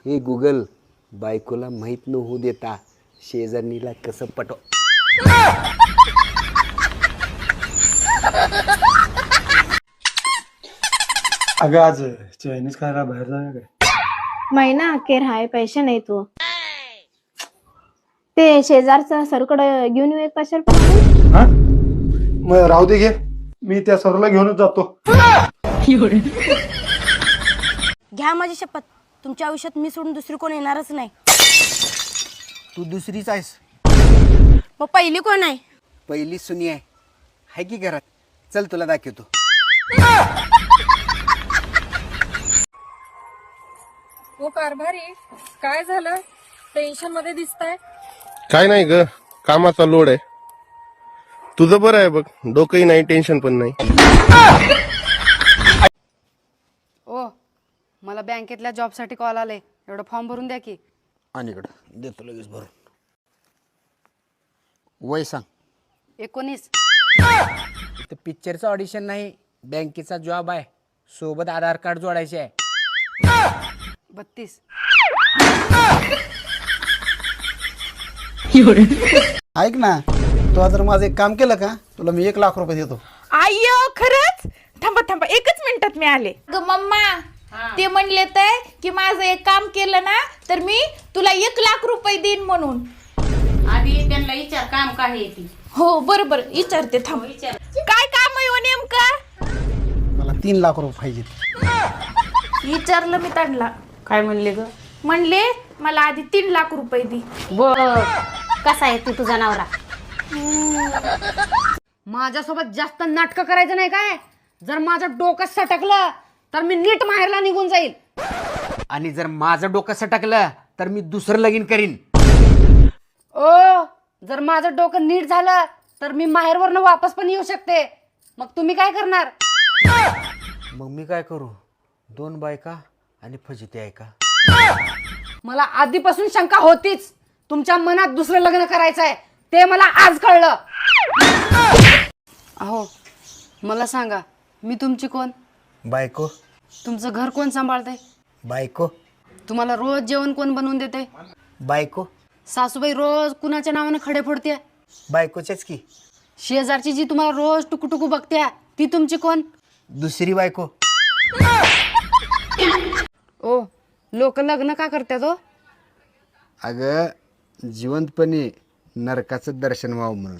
हे गुगल बायकोला माहीत न होऊ देता शेजारणीला कसं पटव. अगं आज चायनीज खायला बाहेर जाऊया काय? महिना अखेर हाय, पैसे नाही तू. ते शेजारचा सरकडे घेऊन येऊ एक कशाला पण. हा मग राहू दे घे, मी त्या सरला घेऊनच जातो. घ्या माझी शपथ, तुमच्या आयुष्यात मी सोडून दुसरी कोण येणारच नाही. तू दुसरीच आहेस. मग पहिली कोण आहे? पहिली सुनी आहे की घरात. चल तुला दाखवतो. हो कारभारी, काय झालं? टेन्शन मध्ये दिसताय. काय नाही ग, कामाचा लोड आहे. तुझं बरं आहे बघ, डोकंही नाही, टेन्शन पण नाही. ओ मला बँकेतल्या जॉबसाठी कॉल आले, एवढं फॉर्म भरून द्या की. आणि इकडं देतो लगेच भरून. वय सांग. 19. इथं पिक्चरचं ऑडिशन नाही, बँकेचा जॉब आहे. सोबत आधार कार्ड जोडायचे आहे. 32. ऐक ना, तू जर माझं एक काम केलं का, तुला मी 1 लाख रुपये देतो. आय्यो खरंच? थांबा थांबा, एकच मिनिटात मी आले. मम्मा ते म्हणले तर की माझं एक काम केलं ना तर मी तुला 1 लाख रुपये देईन म्हणून. आधी त्यांना विचार काम काय आहे ती. हो बरोबर विचारते, थांब. काय काम आहे हो नेमकं? मला 3 लाख रुपये पाहिजे. विचारलं मी त्यांना. काय म्हणले ग? म्हणले मला आधी 3 लाख रुपये दे. बर, कसा आहे तू तुझा नवरा? माझ्यासोबत जास्त नाटकं करायचं नाही काय. जर माझं डोकं सटकलं तर मी नीट माहेरला निघून जाईल. आणि जर माझं डोकं सटकलं तर मी दुसरं लगीन करीन. ओ जर माझं डोकं नीट झालं तर मी माहेरवरनं वापस पण येऊ शकते. मग तुम्ही काय करणार? मग मी काय करू? 2 बायका आणि फजिती आहे का? मला आधीपासून शंका होतीच, तुमच्या मनात दुसरं लग्न करायचं आहे. ते मला आज कळलं. अहो मला सांगा, मी तुमची कोण? बायको. तुमचं घर कोण सांभाळतंय? बायको. तुम्हाला रोज जेवण कोण बनवून देते? बायको. सासूबाई रोज कुणाच्या नावाने खडे फोडते? बायकोच्याच की. शेजारची जी तुम्हाला रोज टुकू बघते ती तुमची कोण? दुसरी बायको. ओ लोक लग्न का करतात हो? अगं जिवंतपणे नरकाचं दर्शन व्हावं म्हणून.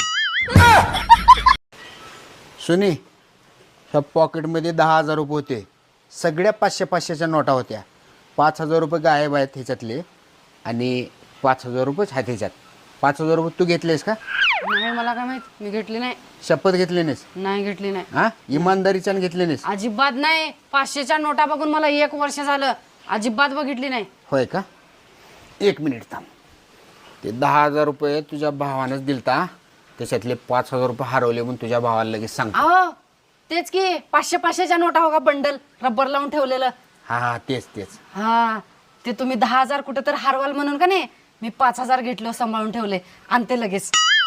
सुनी, ह्या पॉकेटमध्ये 10,000 रुपये होते. सगळ्या 500-500च्या नोटा होत्या. 5,000 रुपये गायब आहेत ह्याच्यातले आणि 5,000 रुपयेच आहेत ह्याच्यात. 5,000 रुपये तू घेतलेस का? नाही, मला काय माहित, मी घेतली नाही. शपथ घेतली नाहीस? नाही घेतली नाही. हा, इमानदारीच्यानं घेतली नाहीस? अजिबात नाही. 500च्या नोटा बघून मला 1 वर्ष झालं, अजिबात बघितली नाही. होय का? 1 मिनिट थांब. ते 10,000 रुपये तुझ्या भावानंच दिलता, त्याच्यातले 5,000 रुपये हरवले म्हणून तुझ्या भावाला लगेच सांग. अहो तेच की 500-500च्या नोटा हो का, बंडल रबर लावून ठेवलेलं. हा तेच तेच. हा ते तुम्ही 10,000 कुठं तर हरवाल म्हणून का नाही, मी 5,000 घेतलं, सांभाळून ठेवले आणि ते लगेच.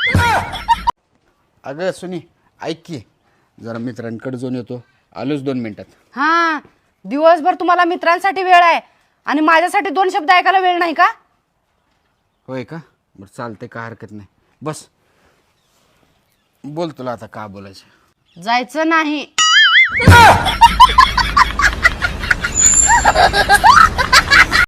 अगं सुनी ऐक की, जरा मित्रांकडे जाऊन येतो, आलोच 2 मिनिटात. हा दिवसभर तुम्हाला मित्रांसाठी वेळ आहे आणि माझ्यासाठी 2 शब्द ऐकायला वेळ नाही का? होय का? बरं चालते, काय हरकत नाही. बस बोल, तुला आता का बोलायचं? जायचं नाही.